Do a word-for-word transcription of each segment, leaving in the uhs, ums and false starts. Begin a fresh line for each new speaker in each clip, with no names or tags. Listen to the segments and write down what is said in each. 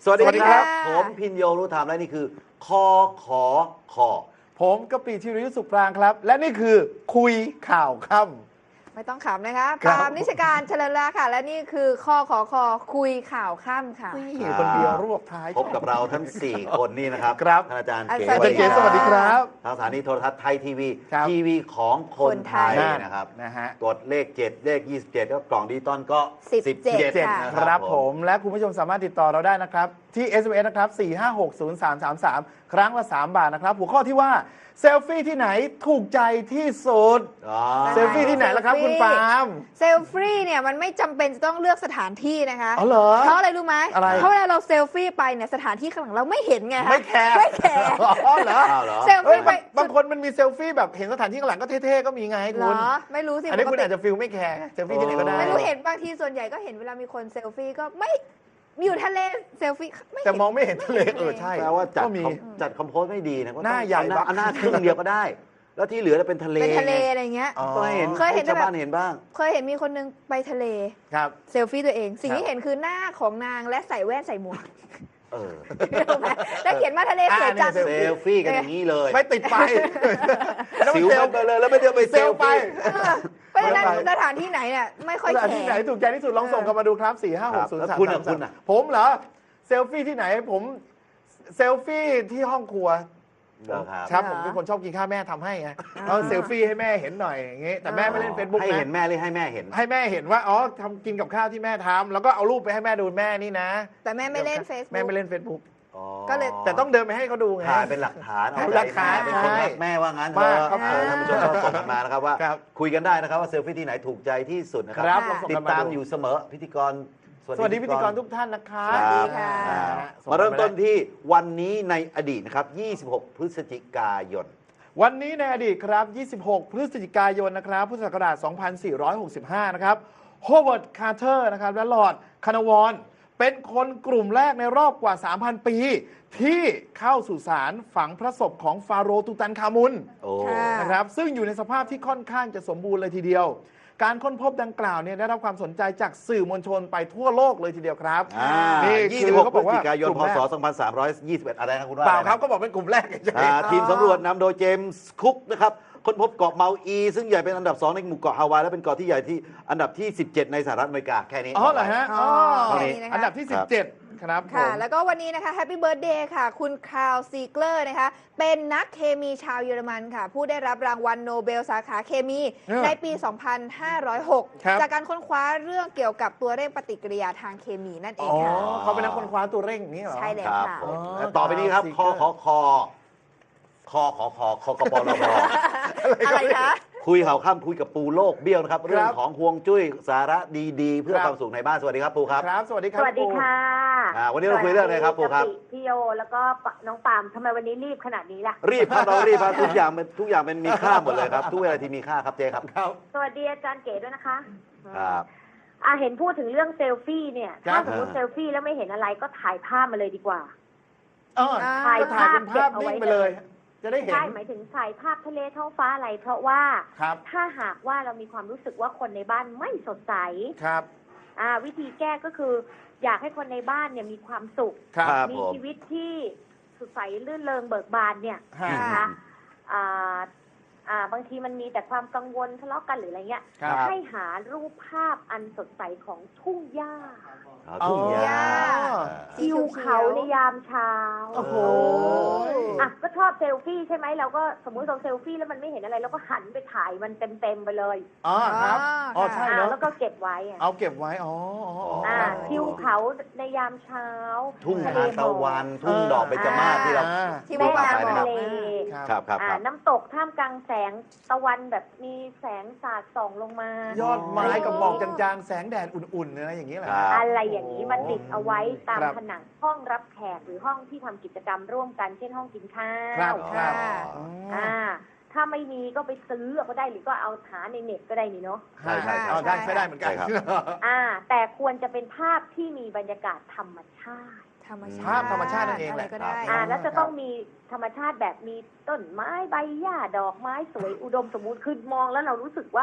สวัสดีครับ
ผมพินโยรู้ธรรมและนี่คือคอขอคอ
ผมกะปิธีรยุทธสุขปรางครับ และนี่คือคุยข่าวค่ำ
ไม่ต้องขำนะคะ
ครับ
ปาล์มนิชการเฉลิมลาค่ะ และนี่คือข้อขอคอคุยข่าวค่ำค่ะ
นี่คนเดียวรวบท้าย
พบกับเราทั้ง สี่ คนนี่นะครับ
ครับ
ท่านอาจารย์
อา
เก๋
จารย์
อาจารย์เก๋สวัสดีครับ
ทางสถานีโทรทัศน์ไทยทีวี
ครับ
ทีวีของคนไทย
คนไทย
นะครับ
นะฮะ
กดเลข เจ็ด เลข ยี่สิบเจ็ด ก็กล่องดิจิตอลก็
สิบเจ็ด
สิบเจ็ด
ค่ะ
นะ
ค
ค
รั
รั
บบ ผม และคุณผู้ชมสามารถติดต่อเราได้นะครับ ที่ เอส เอ็ม เอส นะครับ สี่ ห้า หก ศูนย์ สาม สาม สาม ครั้งละ สาม บาทนะครับ หัวข้อที่ว่าเซลฟี่ที่ไหนถูกใจที่สุด
อ๋อ
เซลฟี่ที่ไหนล่ะครับคุณปาล์ม
เซลฟี่เนี่ยมันไม่จำเป็นจะต้องเลือกสถานที่นะคะ
อ๋อเหรอ
เพราะอะไรรู้ไหม
อะไร
เพราะเวลาเราเซลฟี่ไปเนี่ยสถานที่ข้างหลังเราไม่เห็นไงคะ
ไม่แคร์
ไม่แคร์
อ๋อเหรอ
อ้าวเหรอ
เซล
เอ้ย
ฟี่ไป
บางบางคนมันมีเซลฟี่แบบเห็นสถานที่ข้างหลังก็เท่ๆก็มีไง
เหร
คุ
อ
ณ
ไม่รู้สิ
อันนี้
ปก
คุณ
ติ
อาจจะฟิลไม่แคร์เซลฟี่ที่ไหนก็ได้
ไม่รู้เห็นบางทีส่วนใหญ่ก็เห็นเวลามีคนเซลฟี่ก็ไม่อยู่ทะเลเซลฟี่ไม่เห็น
แต่มองไม่เห็นทะเลเออใช่
แปลว่าจัด
ก็มี
คอมจัดคอมโพสไม่ดีนะก็ต้อง
หน้าใหญ่
เอ
บัก
เอาหน้าครึ่งเดียวก็ได้ แล้วที่เหลือจะเป็นทะเล
เป็นทะเลอะไรเงี้ย
อ๋อ
ก็ให้เห็น
เคยเห็น
ให้ชาว
แบบ
บ้านเห็นบ้าง
เคยเห็นมีคนนึงไปทะเล
ครับ
เซลฟี่ตัวเอง สิ่ง
ครับ
ที่เห็นคือหน้าของนางและใส่แว่นใส่หมวก
เออ
รู้ไหมแล้วเขียนมาทะเลสวยจัง
อ่า
เซลฟี่กันอย่างนี้เลย
ไม่ติดไฟแล้ว
สิ
มัน
ว
เซล
ไปเลยแล้วไม่ได้ไป
เซ
เซ
ล
ล
ไป
ฟี่
เพราะฉะนั้นสถานที่ไหนเนี่ยไม่ค่อย
ส
แค
ถานที่ไหน
ร์
ถูกใจที่สุดลองส่งกันมาดูครับ สี่ ห้า หก ศูนย์
แล้
สาม
วคุณอ่ะ
สาม
คุณอ่ะ
ผมเหรอเซลฟี่ที่ไหนผมเซลฟี่ที่ห้องครัว
เหรอครับ
ครับผมเป็นคนชอบกินข้าวแม่ทำให้ไงเอาเซลฟี่ให้แม่เห็นหน่อยอย่างงี้แต่แม่ไม่เล่นเฟซบุ๊ก
ให้
นะ
เห็นแม่หรือให้แม่เห็น
ให้แม่เห็นว่าอ๋อทำกินกับข้าวที่แม่ทำแล้วก็เอารูปไปให้แม่ดูแม่นี่นะ
แต่แม่ไม่เล่นเฟซ
แม่
บุ๊ก
ไม่เล่นเฟซบุ๊ก
อ๋อ
ก็เลย
แต่ต้องเดินไปให้เขาดูไง
ถ่ายเป็นหลักฐานเอา
เป็นหลักฐาน
ใจแม่เป็นคนรักแม่ว่างั้นเถ
มาก
อะ
ครับ
อ่าท่านผู้ชมก็ส่งกันมานะครับว่า
ครับ
คุยกันได้นะครับว่าเซลฟี่ที่ไหนถูกใจที่สุดนะค
ค
รั
รับ
ค่ะ
ลองส่ง
ติ
กั
ด
นมา
ตาม
ดู
อยู่เสมอพิธีกร
สวัสดีพิธีกรทุกท่านนะครับ
ครับ
สวัสดีค่ะ
อ่า
ส่ง
มาเริ่มต้น
ได้
ที่วันนี้ในอดีตนะครับ ยี่สิบหก พฤศจิกายน
วันนี้ในอดีตครับ ยี่สิบหก พฤศจิกายนนะครับ พุทธศักราช สองพันสี่ร้อยหกสิบห้า นะครับ โฮเวิร์ด คาร์เตอร์ นะครับ และลอร์ด คานาวอน เป็นคนกลุ่มแรกในรอบกว่า สามพัน ปี ที่เข้าสู่สารฝังพระศพของฟาโรห์ตูตันคามุน
โอ้
ค่ะ
นะครับ ซึ่งอยู่ในสภาพที่ค่อนข้างจะสมบูรณ์เลยทีเดียว การค้นพบดังกล่าวเนี่ยได้รับความสนใจจากสื่อมวลชนไปทั่วโลกเลยทีเดียวครับ
อ่า
นี่
ยี่
คื
สิบ
อ
หก
เขา
พ
บ
ฤ
อก
ศ
ว่า
จิกายน
กลุ่
พ
มแร
ศ
ก
สองพันสามร้อยยี่สิบเอ็ดอะไรนะคุณว่า
เปล่า
อะไรนะ
ครับก็บอกเป็นกลุ่มแรกเฉย
อ่า
ๆ
ทีมสำรวจนำโดยเจมส์คุกนะครับค้นพบเกาะเมาอี ซึ่งใหญ่เป็นอันดับ สอง ในหมู่เกาะฮาวายและเป็นเกาะที่ใหญ่ที่อันดับที่ สิบเจ็ด ในสหรัฐอเมริกาแค่นี้
อ๋อเหรอฮะอ๋อ
เท่านี้
อันดับที่ สิบเจ็ด ครับผ
ค่ะ
ม
แล้วก็วันนี้นะคะแฮปปี้เบิร์ดเดย์ค่ะ คุณคาร์ลซีเกลอร์นะคะ เป็นนักเคมีชาวเยอรมันค่ะ ผู้ได้รับรางวัลโนเบลสาขาเคมี
เออ
ในปี สองพันห้าร้อยหก
ครับ
จากการค้นคว้าเรื่องเกี่ยวกับตัวเร่งปฏิกิริยาทางเคมีนั่นเอ
อ๋
ง
อ
ค่ะ
เขาเป็นนักค้นคว้าตัวเร่งอย่างนี้เหรอ
ใช่แล้ว
ครับ
ค่ะ
ผม
อ๋อ
และต่อไปนี้ครับ คอขอคอคอขอคอคอกปลพ
อะไรคะ
คุยข่าวข้ามคุยกับปูโลกเบี้ยวนะครับ เรื่องของห่วงจุ้ยสาระดีๆ เพื่อ
ครับ
ความสุขในบ้าน สวัสดีครับปูครับ
ครับ สวัสดีครับ
สวัสดี
ปู
ค่ะ
อ่าวันนี้เราคุยเรื่องอะไรครับปูครับ
สวัสดีพี่โยแล้วก็น้องปาล์มทำไมวันนี้รีบขนาดนี้ล่ะ
รีบครับเรารีบครับทุกอย่างเป็นทุกอย่างเป็นมีค่าหมดเลยครับ ทุกเวลาที่มีค่าครับเจ๊ครับ
ครับ
สวัสดีอาจารย์เก๋ด้วยนะคะ
ครับ
อ่าเห็นพูดถึงเรื่องเซลฟี่เนี่ย
ครั
ถ้า
บ
สมมติเซลฟี่แล้วไม่เห็นอะไรก็ถ่ายภาพมาเลยดีกว่า
เออ
ถ่าย
ก็ถ่ายเป็นภาพ
เก็บเอาไว้
นิ่งไปเลย จะได้เห็น
ใช่หมายถึงถ่ายภาพทะเลท้องฟ้าอะไร เพราะว่า
ครับ
ถ้าหากว่าเรามีความรู้สึกว่าคนในบ้านไม่สดใส
ครับ
อ่าวิธีแก้ก็คือ อยากให้คนในบ้านเนี่ยมีความสุข
ครับ
ครับ
มี
ผม
ชีวิตที่สดใสลื่นเริงเบิกบานเนี่ย
ฮะ
นะคะอ่าอ่าบางทีมันมีแต่ความกังวลทะเลาะกันหรืออะไรเงี้ย
ครับ
ให้หารูปภาพอันสดใสของทุ่งหญ้า
เอาทุ่งหญ้า
อ๋อ
สี
ทิว
เขียวๆ
เขาในยามเช้า
โอ้โห
อ่ะก็ชอบเซลฟี่ใช่ไหมเราก็สมมุติเราเซลฟี่แล้วมันไม่เห็นอะไรเราก็หันไปถ่ายมันเต็มๆไปเลย
อ๋อครับ อ๋อ ใช่
อ่า
เนาะ
แล้วก็เก็บไว้อ่ะ
เอาเก็บไว้ อ๋ออ๋ออ๋อ
อ่า
อ่า
ทิวเขาในยามเช้า
ทุ่ง
ทะเล
ทาน
หม
ตะ
อก
วัน ทุ่งดอกเบญจมาศที่เรา
อ่า
ที่
แม่
เมื่อวาน
น้ำ
บอ
ทะ
ก
เล
ครับครับ
อ่า
ครับ
น้ำตกท่ามกลางแสงตะวันแบบมีแสงสาดส่องลงมา
ยอดไม้กับหมอกจางๆ แสงแดดอุ่นๆอะไรอย่างนี้แหละ
ครับ
อะไรอย่างนี้มาติดเอาไว้ตาม
ครับ
ผนังห้องรับแขกหรือห้องที่ทำกิจกรรมร่วมกันเช่นห้องกินข้า
ครับ
ว
ครับ
ค่ะ
อ๋อ
อ่า ถ้าไม่มีก็ไปซื้อก็ได้หรือก็เอาหาในเน็ตก็ได้นี่เนาะ
ใช่ใช่ใช่
อ๋อได้ใช้ได้เหมือนกัน
ใช่ครับ
อ่า แต่ควรจะเป็นภาพที่มีบรรยากาศธรรมชาติ
ธรรมชาติ
ภาพธรรมชาตินั่นเองแหละ
ะไรก็ได้
อ่า
ครับ
แล้วจะต้องมีธรรมชาติแบบมีต้นไม้ใบหญ้าดอกไม้สวยอุดมสมบูรณ์คือมองแล้วเรารู้สึกว่า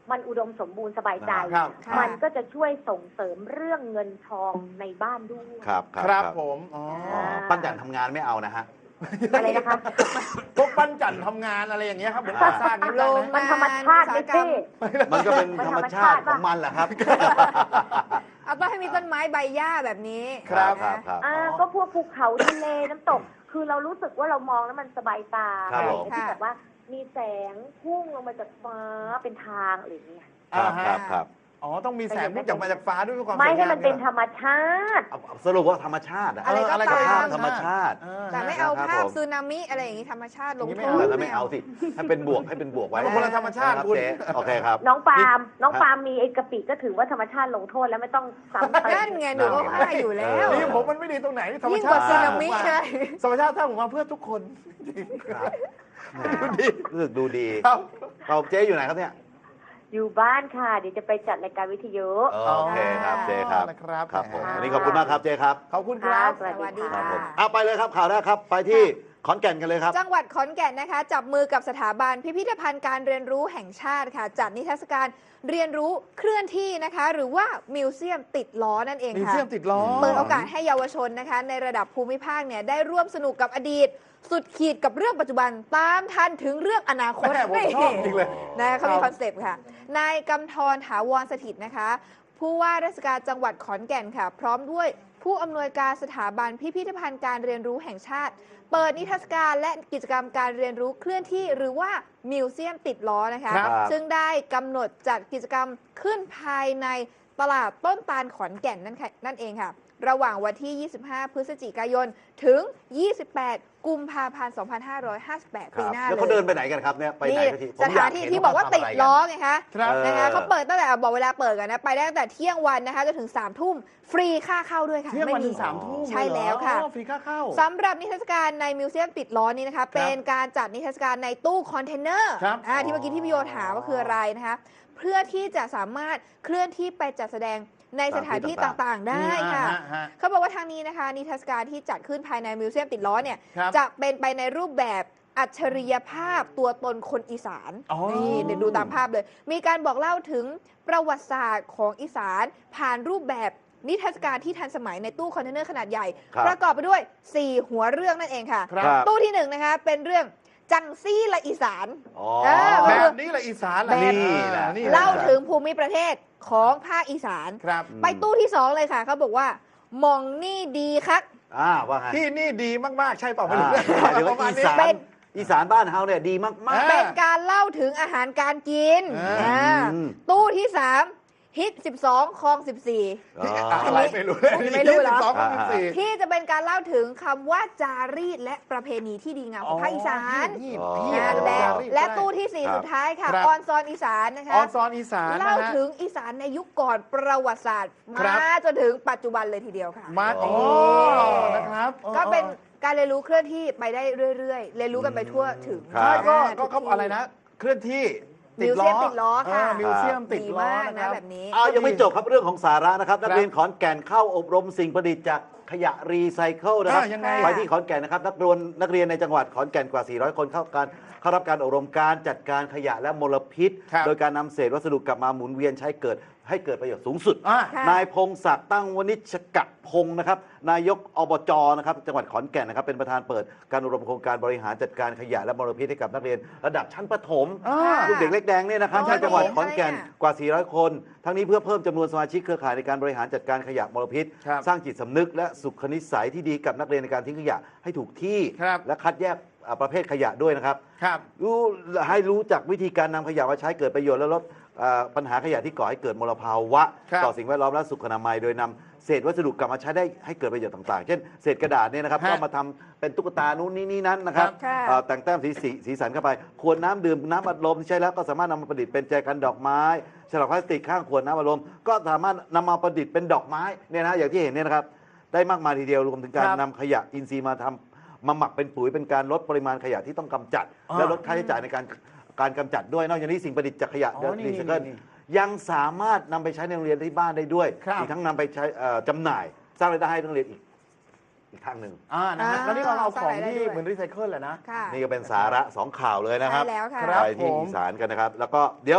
มันอุดมสมบูรณ์สบายใจ
ครับ
ค่ะ
มันก็จะช่วยส่งเสริมเรื่องเงินทองในบ้านด้วย
ครับค
ค
รั
รั
บบ
ผมอ๋อ
อ๋อปั้นจันทร์ทำงานไม่เอานะฮะ
อะไรนะคะ
พวกปั้นจันทำงานอะไรอย่างเงี้ยครับเหมือนก่อสร้างนี่
โร
ได้
ง
ไหม
มันธรรมชาติไม่ใช่
มันก็เป็นธรรมชาติของมันแหละครับ
เอาต้องให้มีต้นไม้ใบหญ้าแบบนี้
ครับค
นะ
รับครับ
อ่าก็พวกภูเขาทะเลน้ำตก คือเรารู้สึกว่าเรามองแล้วมันสบายตา
ครับผม
ที่แบบว่ามีแสงพุ่งลงมาจากฟ้าเป็นทางอะไรอย่างเงี้ย
ครับ
อ่าฮะ
ครับครับ
อ๋อต้องมีแสงพุ่งจากมาจากฟ้าด้วยเพื่อความ
ไม่
สวย
ให้
งาม
มันเป็น
ย
ธรรมชาติ
เอาเอาสรุปว่าธรรมชาติอะ
อะไรก็
เอะไรก็
ตาม
ตาม
ธรรมชาติ
เออ
แต่ไม่เอา
ครับ
ภาพ
ผม
สึนามิอะไรอย่างนี้ธรรมชาติลง
อย่าง
โท
นี้ไม่
ษ
เอา
แล้วไม่เอาสิให้เป็นบวกให้เป็นบวกไว้
มันคนละธรรมชาติ
นะคบ
คุณ
เจ๊โอเคครับ
น้องปาล์มน้อง
ฮะ
ปาล์มมีไอ้กะปิก็ถือว่าธรรมชาติลงโทษแล้วไม่ต้องซ้ำเติม
นั่นไงหนูก็ว่าอยู่แล้ว
นี่ผมมันไม่ดีตรงไหนธรรม
ยิ่ง
ชาก
ว่า
ติ
สึนามิ
สร้าง
ใช่
ธรรมชาติสร้างผมมาเพื่อทุกคน
ครับแหม
ดูดี
รู้สึกดูดี
ครับ
เราเจ๊อยู่ไหนครับเนี่ย
อยู่บ้านค่ะ เดี๋ยวจะไปจัดรายการวิทยุ
โอเคครับเจ๊ครับ
นะครับ
ครับผม
แหม
วันนี้ขอบคุณมากครับเจ๊ครับ
ขอบคุณครับ
สวัสดี
สวัสดี
ครับ
ค่ะ
ผมเอาไปเลยครับข่าวแรกครับไปที่ขอนแก่นกันเลยครับ
จังหวัดขอนแก่นนะคะ จับมือกับสถาบันพิพิธภัณฑ์การเรียนรู้แห่งชาติค่ะ จัดนิทรรศการเรียนรู้เคลื่อนที่นะคะ หรือว่ามิวเซียมติดล้อนั่นเอง
มี
ค่ะ
เสียมติดล้อ
เปิดโอกาสให้เยาวชนนะคะ ในระดับภูมิภาคเนี่ยได้ร่วมสนุกกับอดีต สุดขีดกับเรื่องปัจจุบันตามทันถึงเรื่องอนาคต
แม่ผมชอบจริงเลย
นะเขามี
ครับ
คอนเซปต์ค่ะนายกำธรถาวรสถิตนะคะ ผู้ว่าราชการจังหวัดขอนแก่นค่ะ พร้อมด้วยผู้อำนวยการสถาบันพิพิธภัณฑ์การเรียนรู้แห่งชาติ เปิดนิทรรศการและกิจกรรมการเรียนรู้เคลื่อนที่หรือว่ามิวเซียมติดล้อนะคะ
ครับ
ซึ่งได้กำหนดจัดกิจกรรมขึ้นภายในตลาดต้นตาลขอนแก่นนั่นค่ะนั่นเองค่ะ ระหว่างวันที่ ยี่สิบห้า พฤศจิกายน ถึง ยี่สิบแปด กุมภาพันธ์ สองพันห้าร้อยห้าสิบแปด ปีหน้า
แล้ว
เลย
เขาเดินไปไหนกันครับเนี่ยไปไหน
นี่
กันทีผม
ส
อ
ถาย นที่
เห็
ที่บอกว่า
เข
ติด
ทำะไรน
ล้อไงคะ
ครับ
นะคะ
เออ
เขาเปิดตั้งแต่บอกเวลาเปิดกันนะ ไปได้ตั้งแต่เที่ยงวันนะคะจนถึงสามทุ่มฟรีค่าเข้าด้วยค่ะ
เที่ยงวัน
ไม่
ถึ
มี
งสามทุ่ม
ใช่แล้วค่ะ
อ๋อฟรีค่าเข้า
สำหรับนิทรรศการในมิวเซียมติดล้อนี้นะคะ เป็นการจัดนิทรรศการในตู้คอนเทนเนอร์
ครับ
อ่าที่เมื่อกี้ที่พี่โยถามว่าคืออะไรนะคะ เพื่อที่จะสามารถเคลื่อนที่ไปจัดแสดงในสถานที่ต่างๆ ได้ค่ะ
อ่าฮะ
เขาบอกว่าทางนี้นะคะนิทรรศการที่จัดขึ้นภายในมิวเซียมติดล้อเนี่ย
ครับ
จะเป็นไปในรูปแบบอัจฉริยภาพตัวตนคนอีสาน
อ๋อ
นี่เดี๋ยวดูตามภาพเลย มีการบอกเล่าถึงประวัติศาสตร์ของอีสาน ผ่านรูปแบบนิทรรศการที่ทันสมัยในตู้คอนเทนเนอร์ขนาดใหญ่
ครับ
ประกอบไปด้วย สี่ หัวเรื่องนั่นเองค่ะ
ครับ
ตู้ที่หนึ่งนะคะเป็นเรื่องจังซี่ละอีสาน
อ๋อ
เออ
แบบนี้แหละอีสานแหละ
แบบ
นี่แหละ
นี่แหละ
เล่าถึงภูมิประเทศของภาคอีสาน
ครับ
ไปตู้ที่สองเลยค่ะเขาบอกว่ามองนี่ดีครับ
อ่าว่าไง
ที่นี่ดีมากๆ ใช่เปล่าไม่รู้
อ่าหรือว่า
ประมาณ
อี
นี้
สาน
เป็น
อีสานบ้านเฮาเนี่ยดีมาก
อ่า
เป็นการเล่าถึงอาหารการกิน
อ่า
อ่า
อืม
ตู้ที่สามฮิตสิบสองคลองสิบสี่
ๆอ๋อ
อะไรไม่รู้
อันนี้ไม่รู้เหรอ
ยี่สิบสองกับสิบสี่
ที่จะเป็นการเล่าถึงคำว่าจารีตและประเพณีที่ดีงามของภาคอีสาน
อ๋อ
อ่า
อ๋อ
และ
อ๋อ
และตู้ที่สี่
ครับ
สุดท้ายค่ะ
ครับ
ออนซอนอีสานนะคะ
ออนซอนอีสานนะ
เล่า
ฮะ
ถึงอีสานในยุคก่อนประวัติศาสตร์
ครับ
มาจนถึงปัจจุบันเลยทีเดียวค่ะ
มา
อ๋
อ๋
อ
อนะครับ
ก็เป็นการเรียนรู้เคลื่อนที่ไปได้เรื่อยๆ เรียนรู้กันไปทั่วถึง
ครับ
ใช่ก็
อ่า
ก็เขาอะไรนะ เคลื่อนที่
มิวเซียมติดล้อค่ะ
เมิวเซียมติด
ดี
ล้อ
มาก
นะค
นะ
รับ
แบบนี้
เอายังไม่จบครับเรื่องของสาระนะครับ นัก
ครับ
เรียนขอนแก่นเข้าอบรมสิ่งประดิษฐ์จากขยะรีไซเคิลนะครับ
อ่ายังไง
ไปที่ขอนแก่นนะครับนักเรียนนักเรียนในจังหวัดขอนแก่นกว่า สี่ร้อย คนเข้าการเข้ารับการอบรมการจัดการขยะและมลพิษ
ครับ
โดยการนำเศษวัสดุกลับมาหมุนเวียนใช้เกิดให้เกิดประโยชน์สูงสุด
อ่า
ค่ะ
นายพงศักดิ์ตั้งวณิชกะพงศ์นะครับนายกอบจนะครับจังหวัดขอนแก่นนะครับเป็นประธานเปิดการอบรมโครงการบริหารจัดการขยะและมลพิษให้กับนักเรียนระดับชั้นประถม
อ่า
ลูกเด็กเล็กแดงเนี่ยนะครับ
อ๋อ
ที่จังหวัด
ดี
ขอนแก่น
อะไรอ่ะ
กว่า สี่ร้อย คน ทั้งนี้เพื่อเพิ่มจำนวนสมาชิกเครือข่ายในการบริหารจัดการขยะมลพิษ
ครับ
สร้างจิตสำนึกและสุขนิสัยที่ดีกับนักเรียนในการทิ้งขยะให้ถูกที่
ครับ
และคัดแยกอ่าประเภทขยะด้วยนะครับ
ครับ
รู้ให้รู้จักวิธีการนำขยะมาใช้เกิดประโยชน์และลดอ่าปัญหาขยะที่ก่อให้เกิดมลภาวะ
ครับ
ต่อสิ่งแวดล้อมและสุขอนามัยโดยนำเศษวัสดุกลับมาใช้ได้ให้เกิดประโยชน์ต่างๆ เช่นเศษกระดาษเนี่ยนะครับ
ฮะ
ก็มาทำเป็นตุ๊กตานู้นนี่นี่นั้นนะครับ
ค่ะ
เอ่อแต่งแต้มสีสีสีสันเข้าไปขวดน้ำดื่มน้ำอัดลมที่ใช้แล้วก็สามารถนำมาประดิษฐ์เป็นแจกันดอกไม้ฉลากพลาสติกข้างขวดน้ำอัดลมก็สามารถนำมาประดิษฐ์เป็นดอกไม้เนี่ยนะอย่างที่เห็นเนี่ยนะครับได้มากมายทีเดียวรวมถึงการ
ครับ
นำขยะอินทรีย์มาทำมาหมักเป็นปุ๋ยเป็นการลดปริมาณขยะที่ต้องกำจัด
อ่า
และลดค่าใช้จ่ายในการการกำจัดด้วยนอกจากนี้สิ่งประดิษฐ์จากขยะ
อ๋อนี่
รีไซเคิล
นี่
ยังสามารถนำไปใช้ในโรงเรียนที่บ้านได้ด้วย
ครับ
อีกทั้งนำไปใช้เอ่อจำหน่าย สร้างรายได้ให้โรงเรียนอีกอีกทางหนึ่ง
อ่านะฮะ
อ่า
แล้วนี่เราเอาของ
สร้างรายได้
ที่
ด้วย
เหมือนรีไซเคิลแหละนะ
ค่ะ
นี่ก็เป็นสาระสองข่าวเลยนะครับ
ใช่แล้วค่ะ
ครับ
ไปที่
ผม
อีสานกันนะครับ แล้วก็เดี๋ยว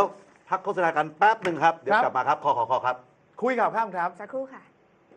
พักโฆษณากันแป๊บหนึ่งครับเดี๋ยว
ครับ
กลับมาครับคอคอคอครับ
คุยข่าวข้ามครับ
สักครู่ค่ะ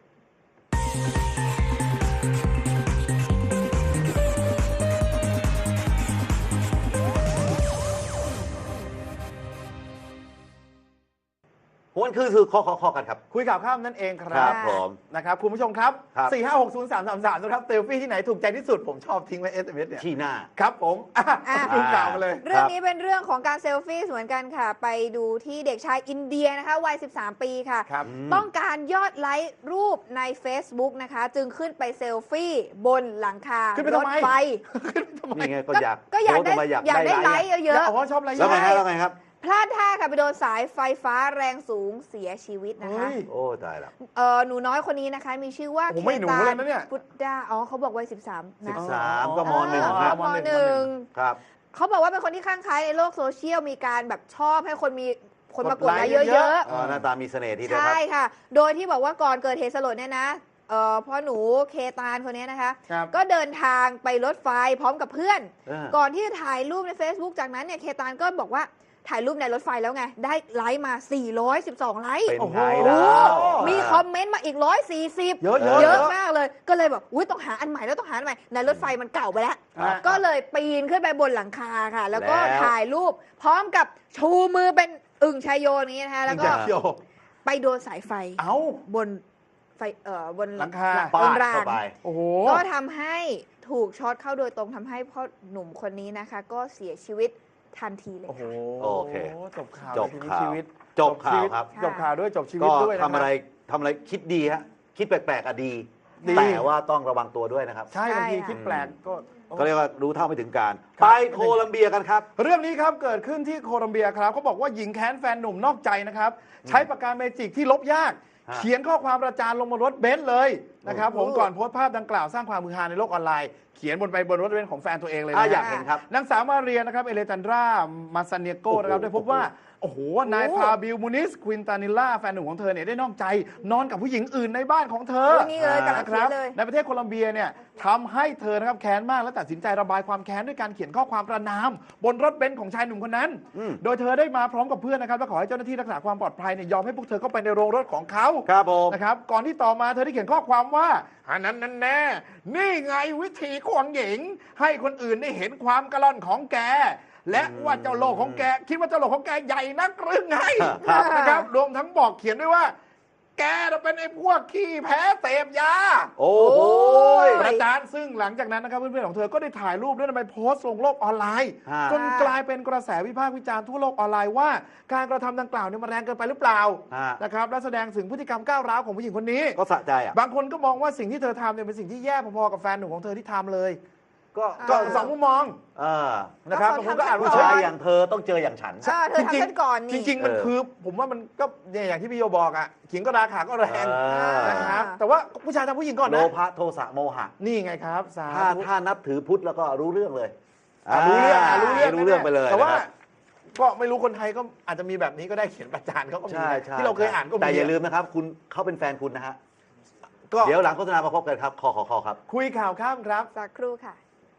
หวนคือคือคอคอคอกันครับ
คุยข่าวข้ามนั่นเองค
ค
รั
รั
บบ
ผม
นะครับคุณผู้ชมครับ
ครับ
สี่ห้าหกศูนย์สามสามสามนะครับเซลฟี่ที่ไหนถูกใจที่สุดผมชอบทิ้งไว้เอสเอ็มเอสเนี่ย
ที่หน้า
ครับผมอ่ะ
อ่ะ
ดูข่าวมาเลย
เรื่องนี้เป็นเรื่องของการเซลฟี่เหมือนกันค่ะ ไปดูที่เด็กชายอินเดียนะคะวัย สิบสาม ปีค่ะ
ครับ
อืม
ต้องการยอดไลค์รูปใน Facebook นะคะ จึงขึ้นไปเซลฟี่บนหลังคา
ขึ้นไป
ร
ทำ
ถ
ไม
ไฟ
ขึ้นไปทำไม
นี่ไงก็อยาก
ก็อยาก
โพสต์
ได้
ออกมาอยาก
อยากได้
ได้
ไล
ไล
ค์
ค์
เยอะ
อ๋อชอบอะไร
แล้วไง
ใช่
ฮะแล้วไงครับ
ๆ พลาดท่าค่ะไปโดนสายไฟฟ้าแรงสูงเสียชีวิตนะคะ
เฮ้ย
โอ้ตายแล้ว
เออหนูน้อยคนนี้นะคะ มีชื่อว่า
โอ้
เค
ไม่หนู
ตา
เลยนะเนี่ย
พุทธาอ๋อเขาบอกวัย สิบสาม
สิ
นะ
บสามก็มหนึ่ง
เออ
ครับ
มหนึ่ง
ครับ
เขาบอกว่าเป็นคนที่ข้างใคล้ายในโลกโซเชียลมีการแบบชอบให้คนมีคนมากดไลค์
กดไลค์
เย
เย
อะ
อะ
อ๋อหน้าตามีเสน่ห์ทีเดียวค
ใช่
รับ
ค่ะ โดยที่บอกว่าก่อนเกิดเหตุสลดเนี่ยนะเอ่อพ่อหนูเคตานคนนี้นะคะ
ครับ
ก็เดินทางไปรถไฟพร้อมกับเพื่อน
เออ
ก่อนที่จะถ่ายรูปใน Facebook จากนั้นเนี่ยเคตานก็บอกว่าถ่ายรูปในรถไฟแล้วไง ได้ไลค์มา สี่ร้อยสิบสอง ไลค์
เป็น
โอ้โห
ไงล่ะ
มีคอมเมนต์มาอีก หนึ่งร้อยสี่สิบ
เยอะเยอะ
เยอะมากเลย ก็เลยแบบอุ้ยต้องหาอันใหม่แล้วต้องหาอันใหม่ ในรถไฟมันเก่าไปแล้ว
อ่ะ
ก็เลยปีนขึ้นไปบนหลังคาค่ะ แล้วก็
แล้ว
ถ่ายรูป พร้อมกับชูมือเป็นอึ่งชายโยนี้นะคะ แล้วก็
จริงๆโย
ไปโดนสายไฟ
เอ้า
บนไฟเอ่อบน
หลังคา
บ
ปาน ด
ราง
เข้าไป
โอ้โห
ก็ทำให้ถูกช็อตเข้าโดยตรงทำให้พ่อหนุ่มคนนี้นะคะ ก็เสียชีวิตทันทีเลย
โอ้โห
ค่ะ
โอเค
จบข่าว
จบ
ทีนี้
ข่าว
ชีวิต
จบข่าวครับ
จบข่าวด้วยจบชีวิ
ก็
ตด้วยนะค
ทำ
รับ
อะไรทำอะไรคิดดีฮะคิดแปลกๆอะดี
ดี
แต่ว่าต้องระวังตัวด้วยนะครับ
ใช่บางที
ใช่ค่ะ
คิดแปลกก็
ก็เรียกว่ารู้เท่าไม่ถึงการ
ครับ
ไปโคลัมเบียกันครับ
เรื่องนี้ครับเกิดขึ้นที่โคลัมเบียครับเขาบอกว่าหญิงแค้นแฟนหนุ่มนอกใจนะครับ ใช้ปากกาเมจิกที่ลบยาก
ฮะ
เขียนข้อความประจานลงบนรถเบนซ์เลยนะครับ
โอ้
ผมก่อนโพสต์ภาพดังกล่าวสร้างความมือฮาในโลกออนไลน์ เขียนบนไปบนรถเบนซ์ของแฟนตัวเองเลย
อ่ะ
นะ
อยากเห็นครับ
นางสาวมาเรียนะครับเอเลจันดรามาซาเนียโกนะครับ
โอ้โห
ได้พบว่า โอ้โห นายพาบิลมูนิสควินตานิลล่าแฟนหนุ่มของเธอเนี่ยได้นอกใจ นอนกับผู้หญิงอื่นในบ้านของเธอ
โอ้ยนี่เลยกำลัง
นะค
เขีย
รับ
นเลย
ในประเทศโคลัมเบียเนี่ยทำให้เธอนะครับแค้นมากและตัดสินใจระบายความแค้นด้วยการเขียนข้อความประนาม บนรถเบนซ์ของชายหนุ่มคนนั้น
อืม
โดยเธอได้มาพร้อมกับเพื่อนนะครับและขอให้เจ้าหน้าที่รักษาความปลอดภัยเนี่ยยอมให้พวกเธอเข้าไปในโรงรถของเขา
ครับผม
นะครับก่อนที่ต่อมาเธอได้เขียนข้อความว่าอันนั้นนั่นแน่นี่ไงวิธีของหญิง ให้คนอื่นได้เห็นความกระล่อนของแก และว่าเจ้าโลกของแก คิดว่าเจ้าโลกของแกใหญ่นักหรือไง
ครับ
นะครับรวมทั้งบอกเขียนด้วยว่า แกน่ะเป็นไอ้พวกขี้แพ้เสพยา
โอ้โห
ประจานซึ่งหลังจากนั้นนะครับเพื่อนๆของเธอก็ได้ถ่ายรูปด้วยนำไปโพสต์ลงโลกออนไลน์
ฮะ
จนกลายเป็นกระแสวิพากษ์วิจารณ์ทั่วโลกออนไลน์ว่า การกระทำดังกล่าวเนี่ยมันแรงเกินไปหรือเปล่า
ฮะ
นะครับและแสดงถึงพฤติกรรมก้าวร้าวของผู้หญิงคนนี้
ก็สะใจอ่ะ
บางคนก็มองว่าสิ่งที่เธอทำเนี่ยเป็นสิ่งที่แย่พอๆกับแฟนหนุ่มของเธอที่ทำเลย
ก็
ก็
อ่า
สองมุมมอง
เออ
นะครับ
ก็
บาง
เขา
คนก็อ่าน
ทำ
ว่า
ผู้
ก่
ชาย
น
อย่างเธอต้องเจออย่างฉัน
เออเธอทำกันก่อนนี่
จริงๆ มัน
เออ
คือ ผมว่ามันก็เนี่ยอย่างที่พี่โยบอกอ่ะขิงก็ราคาก็แรง
เออ
นะครับแต่ว่าผู้ชายทำผู้หญิงก่อน
โล
นะ
ภะโทสะโมหะ
นี่ไงครับสา
ถ้า
ธุ
ถ้านับถือพุทธแล้วก็รู้เรื่องเลย
อ่ะรู้เรื่องอ่ะรู้เรื่อง
รู้เรื่องไปเลย
แต่ว่า
นะครับ
ก็ไม่รู้คนไทยก็อาจจะมีแบบนี้ก็ได้เขียนประจานเขาก็มี
ใช่
นะ
ใช่
ที่เราเคยอ่านก็มี
แต่อย่าลืมนะครับ คุณเขาเป็นแฟนคุณนะฮะ
ก็
เดี๋ยวหลังโฆษณามาพบกันครับ คอคอคอครับ
คุยข่าวข้ามครับ
สักครู่ค่ะ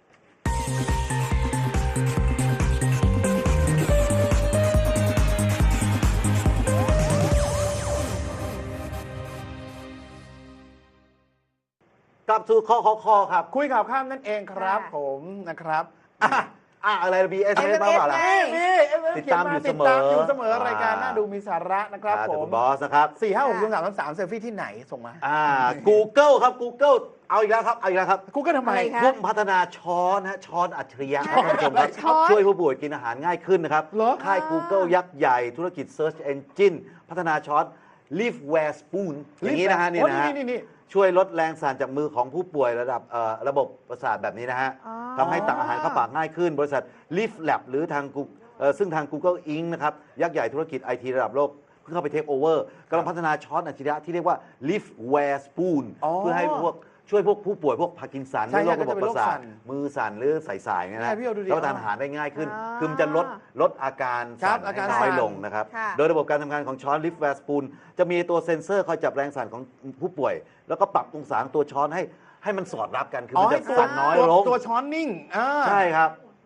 กลับสู่คอคอคอครับ
คุยข่าวข้ามนั่นเองครับ
ค่ะ
ผมนะครับอ่ะ
อ่ะอะไรบีเอสเอสมาเปล่าล่ะ
เอส
นี่
ติดตามอยู่เสมอ
ติดตามอยู่เสมอรายการน่าดูมีสาระนะครับ
อ่า
ผ
จาก
ม
คุณบอสนะครับ
สี่ห้าหกศูนย์สามสามเซลฟี่ที่ไหนส่งมา
อ่า Google ครับ Google เอาอีกแล้วครับ เอาอีกแล้วครับ
กูก็ทำไม
อะไรคะ
พุ่มพัฒนาช้อนฮะช้อนอัจฉริยะครับท่านผู้ชมครับ
ช้อน
ช่วยผู้ป่วยกินอาหารง่ายขึ้นนะครับ
เหรอ
ค่าย Google ยักษ์ใหญ่ธุรกิจ Search Engine พัฒนาช้อน Liveware Spoon อย่างนี้นะฮะนี่
โอ้
นะฮะ
นี่นี่
ช่วยลดแรงสั่นจากมือของผู้ป่วยระดับเอ่อระบบประสาทแบบนี้นะฮะ
อ๋อ
ทำให้ตักอาหารเข้าปากง่ายขึ้น บริษัท Live Lab หรือทาง Google เอ่อซึ่งทาง Google อิง นะครับ ยักษ์ใหญ่ธุรกิจ ไอ ที ระดับโลก เพิ่งเข้าไปเทคโอเวอร์กำลังพัฒนาช้อนอัจฉริยะที่เรียกว่า Liveware Spoon
อ๋อ
เพื่อให้พวกช่วยพวกผู้ป่วยพวกพาร์กินสันห
ใช่
รือโรคระบบประสา
ก็จะ
ท
เป็นโรคสั่น
มือสั่นหรือใส่ๆเนี่ย
ใช่
นะ
พี่เอาดูดิ
รับประทานอาหารได้ง่ายขึ้น
อ๋อ
คือมันจะลดลดอาการ
ครั
สั่
บ
น
อาการ
ให้น้อย
สั่น
ลงนะครับ
ค่ะ
โดยระบบการทำงานของช้อน Liveware Spoon จะมีตัวเซ็นเซอร์คอยจับแรงสั่นของผู้ป่วย แล้วก็ปรับองศาของตัวช้อนให้ให้มันสอดรับกันคือมันจะ
ให้ตัว
สั่นน้อย
ตัว
ลง
ตัวช้อนนิ่งอ่า
ใช่ครับ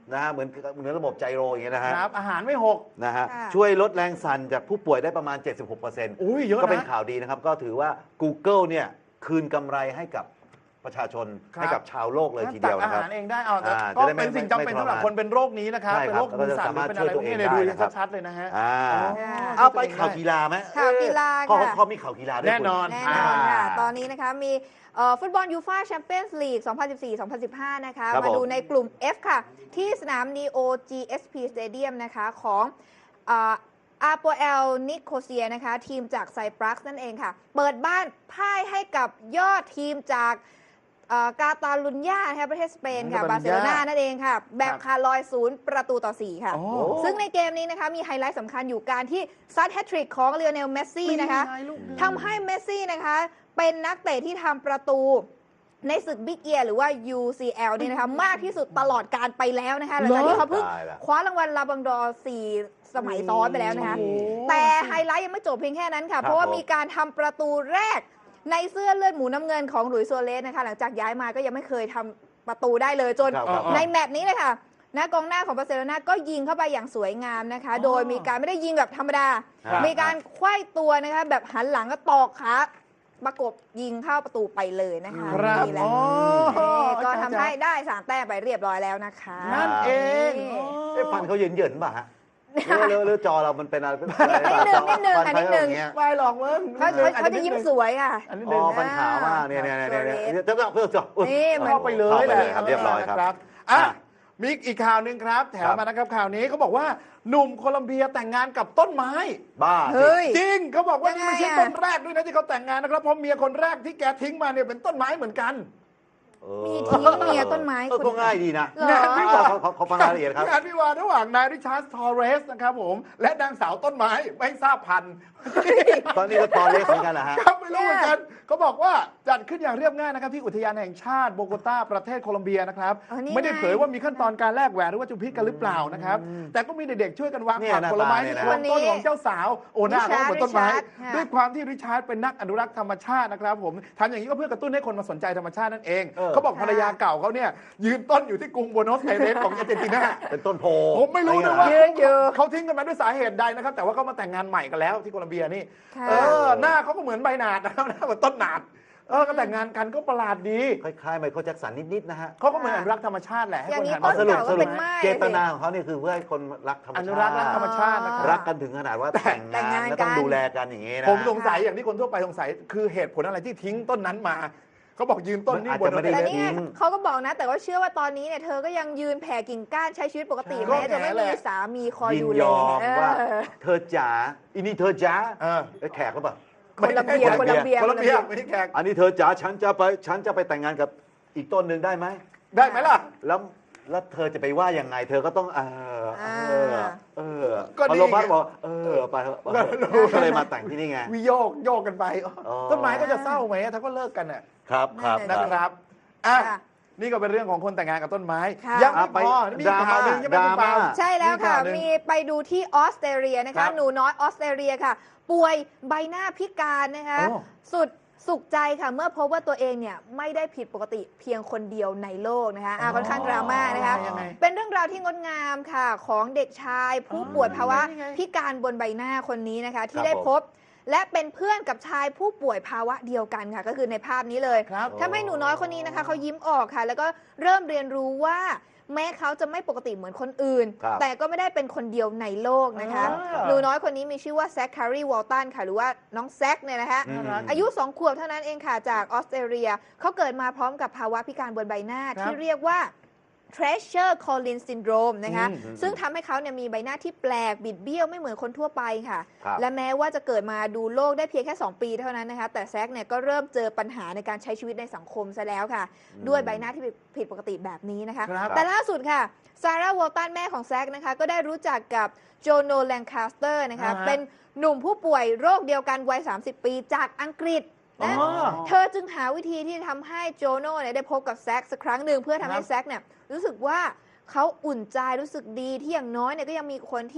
นะฮะเหมือนเหมือนระบบไจโรอย่างเงี้ยนะฮะ
ครับอาหารไม่หก
นะฮะ
ค่ะ
ช่วยลดแรงสั่นจากผู้ป่วยได้ประมาณ เจ็ดสิบหกเปอร์เซ็นต์
อุ้ยเยอะ
ก็เป็น
นะ
ข่าวดีนะครับ ก็ถือว่า Google เนี่ยคืนกำไรให้กับประชาชน
ครับ
ให้กับชาวโลกเลยทีเดียว
ตัก
นะ
อา
ครับ
หารเองได้เอาแต่
อ่า
ก็
จะได้ไม่
เป็นสิ่งจำเป็น
ไม่
สำหรับ
ทรมาน
คนเป็นโรคนี้นะครับ
ใช่
เป็น
ครับ
โรคมือสั่นห
แล้วก็จะสามารถ
รือเป็นอะไรพวกนี้เนี่ย
ช่
ดู
วยตัวเองได้
ชัดๆเลยนะฮะ
อ่า
อ๋อ
เอาไปข่าวกีฬาไหม
ข่าวกีฬา
เขา
ค่ะ
เขามีข่าวกีฬาด้วย
แน่นอน
แน่นอนค่ะ ตอนนี้นะคะมีเอ่อฟุตบอลยูฟ่าแชมเปี้ยนส์ลีก สองพันสิบสี่ สองพันสิบห้า นะคะ
ครับ
มาดู
ผม
ในกลุ่ม F ค่ะ ที่สนาม Neo จี เอส พี Stadium นะคะของอาโปเอลนิโคเซียนะคะ ทีมจากไซปรัสนั่นเองค่ะ เปิดบ้านพ่ายให้กับยอดทีมจากเอ่อกาตาลุญญานะคะประเทศสเปนค่ะ
อืม
บาร์เซโลนา
บาร์เซโลนา
นั่นเองค่ะ แบบ
ครับ
คาร์ลอยศูนย์ประตูต่อสี่ค่ะ
อ๋อ
ซึ่งในเกมนี้นะคะมีไฮไลท์สำคัญอยู่การที่ซัดแฮตทริกของเลโอเนลเมสซี่นะคะ
ปีไงลูกเดือน
ทำให้เมสซี่นะคะ เป็นนักเตะที่ทำประตูในศึกบิ๊กเอียร์หรือว่า ยู ซี แอล เนี่ยนะคะ มากที่สุดตลอดการไปแล้วนะคะหลังจากที่เขาเพิ่ง
ตายละ
คว้ารางวัลลาบังดอร์สี่สมัยซ้อนไปแล้วนะคะ
โอ้โห
แต่ไฮไลท์ยังไม่จบเพียงแค่นั้นค่ะ
ครับ
เพราะว่า
ผม
มีการทำประตูแรกในเสื้อเลือดหมูน้ำเงินของหลุยส์ซัวเรสนะคะ หลังจากย้ายมาก็ยังไม่เคยทำประตูได้เลยจน
ครับครับ
ในแมตช์นี้เลยค่ะนะกองหน้าของบาร์เซโลนาก็ยิงเข้าไปอย่างสวยงามนะคะ
อ๋อ
โดยมีการไม่ได้ยิงแบบธรรมดา
ครับ
มีการไขว้ตัวนะคะแบบหันหลังก็ตอกขาประกบยิงเข้าประตูไปเลยนะคะ
ครับ
นี่แหละ
อ๋อ
นี่ก็ทำให้
อาจารย์
ได้สามแต้มไปเรียบร้อยแล้วนะคะ
นั่นเอง
นี่
อ๋อ
เอ๊ะฟันเขาเหยินเหยินๆป่ะฮะหรือหรือหรือจอเรามันเป็นอะไรเป็นอะไร
นิดนึงนิดนึง
ฟั
ค่ะ
เขา
นิดนึง
อย่างเงี้ย
ไม่หรอกมึง
เขาเขาเขาจะยิ้มสวยค่ะ
อันนี้
อ๋
ห
อ
นึ่ง
ฟัน
นะ
ขาวมากเนี่ยเนี่ยเนี่ยเนี่ยเนี่ยจะต้องเพื่อจบ
นี่เหมือน
เข้าไปเลย
เข้าไป
แห
เล
ละ
ยครับเรียบร้อยครับ
นะอ่ะ
อ่ะ
มีอีกข่าวหนึ่งครับ แถมมานะครับข่าวนี้เขาบอกว่าหนุ่มโคลัมเบียแต่งงานกับต้นไม้
บ้า
เฮ้ย
จริงเขาบอกว่านี่ไม่ใช่
ยังไงอะ
ต้นแรกด้วยนะที่เขาแต่งงานนะครับเพราะเมียคนแรกที่แกทิ้งมาเนี่ยเป็นต้นไม้เหมือนกัน
มีทิ้งเมียต้นไม้
เออก็ง่ายดีนะ
เหรอ
เขาเขาเขาฟังรายละเอียดครับ
งานวิวาห์ระหว่างนายริชาร์ดทอร์เรสนะครับผมและนางสาวต้นไม้ไม่ทราบพันธุ์
ตอนนี้ก็ตอนเล็กเหมือนกันเหรอฮะ
ครับไม่รู้เหมือนกันเขาบอกว่าจัดขึ้นอย่างเรียบง่ายนะครับที่อุทยานแห่งชาติโบโกตาประเทศโคลอมเบียนะครับ
อ๋อนี่
ไม่ได้
ไง
เผยว่ามีขั้นตอนการแลกแหวนหรือว่าจุมพิษกันหรือเปล่านะครับแต่ก็มีเด็กๆช่วยกันวาง
เนี่ย
ผัก
หน้า
ผลไม้
ตาเนี่
ที่
ยนะ
โคนต้นของเจ้าสาวโอ้หน้าเขาเหมือนต้นไม้
ริชาร์ดค่ะ
ด้วยความที่ริชาร์ดเป็นนักอนุรักษ์ธรรมชาตินะครับผมทำอย่างนี้ก็เพื่อกระตุ้นให้คนมาสนใจธรรมชาตินั่นเอง
เออ
เขาบอกภรรยาเก่าเขาเนี่ยยืนต้นอยู่ที่กรุงบัวโนสไอเรสของอาร์เจนตินา
เป็นต้นโพ
ผมไม่รู้นะว่า
ยืนอยู่
เขาทิ้งกันมาด้วยสาเหตุใดนะครับ แต่ว่าเขามาแต่งงานใหม่กันแล้วที่โคลอมเบียนี่
ค่ะ
เออหน้าเขาก็เหมือนใบหนาดนะครับหน้าเหมือนต้นหนาดเออก็แต่งงานกันก็ประหลาดดี
คล้ายๆไมเคิลแจ็คสันนิดๆนะฮะ
เขาก็เหมือนอนุรักษ์ธรรมชาติแหละให้
อย่าง
คน
นี้
หัน
ต้
มาน
สรุป
เก่า
ส
ก็
รุ
เป็
ป
นไม้
เจตนาของเขาเนี่ยคือเพื่อให้คนรักธรรม
อ
ชาติ
นุรักษ์รักธรรมชาตินะครับ
รักกันถึงขนาดว่าแต่ง
แต่งาน
งางนแล้วต้อง
กัน
ดูแลกันอย่างนี้นะ
ผมสงสัยอย่างที่คนทั่วไปสงสัยคือเหตุผลอะไรที่ทิ้งต้นนั้นมาเขาบอกยืนต้นนี่บน
อาจจะไม่ได้
แต่
รถ
นี่ไงเขาก็บอกนะ แต่ว่าเชื่อว่าตอนนี้เนี่ยเธอก็ยังยืนแผ่กิ่งก้านใช้ชีวิตปกติ
ก็
แม้จะไม่
แห
มี
ละ
สามีคอย
ยิน
ดูแล
ยอม
เอ
ว่า
อ
เธอจ๋าอันนี้เธอจ๋า
เออ
เอ้ยแขกหรือเปล่า
คนละเบียร์คนละเบียร์
คนละเบียร์ไม่ใช่แขก
อันนี้เธอจ๋าฉันจะไปฉันจะไปแต่งงานกับอีกต้นหนึ่งได้ไหม
ได้ไหมล่ะ
แล้วแล้วเธอจะไปว่ายังไง เธอก็ต้องเออเออเออ
ก็
พอ
ดี
โรบัส
ไง
บอกเออไปเถอะก็เลยมาแต่งที่นี่ไง
วิโยกโยกกันไป
อ๋อ
ต้นไม้ก็จะเศร้าไหมถ้าก็เลิกกันน่ะ
ครับครับ
นั่
นะ
น
ค
แหละ
รับอ่ะ
ค่ะ
นี่ก็เป็นเรื่องของคนแต่งงานกับต้นไม้
ค่ะ
ยังไม่
อ่ะไป
พอมีข่าวหนึ่งใช่ไหม
ดรา
คุณ
ม่า
ปาล์ม
ใช่แล้วค่ะ
ข่าวหนึ่ง
มีไปดูที่ออสเตรเลียนะ
ครั
คะ
บ
หนูน้อยออสเตรเลียค่ะ ป่วยใบหน้าพิการนะคะ
โอ้
สุดสุขใจค่ะ เมื่อพบว่าตัวเองเนี่ยไม่ได้ผิดปกติเพียงคนเดียวในโลกนะคะอ่ะค่อนข้างดราม่านะคะ
ยังไง
เป็นเรื่องราวที่งดงามค่ะ ของเด็กชายผู้ป่วยภาวะ
นี่ไง
พิการบนใบหน้าคนนี้นะคะ ที่
ครับ
ได้
ผม
พบ และเป็นเพื่อนกับชายผู้ป่วยภาวะเดียวกันค่ะ ก็คือในภาพนี้เลย
ครับ
ทำให้หนูน้อยคนนี้นะคะเขายิ้มออกค่ะ แล้วก็เริ่มเรียนรู้ว่าแม้เขาจะไม่ปกติเหมือนคนอื่น
ครับ
แต่ก็ไม่ได้เป็นคนเดียวในโลกนะคะ
อ่า
หนูน้อยคนนี้มีชื่อว่าแซคคารีวอลตันค่ะ หรือว่าน้องแซคเนี่ยนะคะ
อืม
อายุสองขวบเท่านั้นเองค่ะ จากออสเตรเลีย เขาเกิดมาพร้อมกับภาวะพิการบนใบหน้า
ครับ
ที่เรียกว่า Treasure Collins Syndrome นะคะ
อืม
ซึ่งทำให้เขาเนี่ยมีใบหน้าที่แปลกบิดเบี้ยวไม่เหมือนคนทั่วไปค่ะ
ครับ
และแม้ว่าจะเกิดมาดูโลกได้เพียงแค่ สอง ปีเท่านั้นนะคะ แต่แซคเนี่ยก็เริ่มเจอปัญหาในการใช้ชีวิตในสังคมซะแล้วค่ะ ด้วยใบหน้าที่ผิดปกติแบบนี้นะคะ
ครับ
แต่ล่าสุดค่ะซาร่าวอลตันแม่ของแซคนะคะก็ได้รู้จักกับโจโนแลงคาสเตอร์นะคะ
อ่าฮะ
เป็นหนุ่มผู้ป่วยโรคเดียวกันวัย สามสิบ ปีจากอังกฤษนะ
อ๋อ
เธอจึงหาวิธีที่ทำให้โจโน่เนี่ยได้พบกับแซคสักครั้งหนึ่งเพื่อทำให้
ครับ
แซคเนี่ยรู้สึกว่าเขาอุ่นใจรู้สึกดีที่อย่างน้อยเนี่ยก็ยังมีคนที่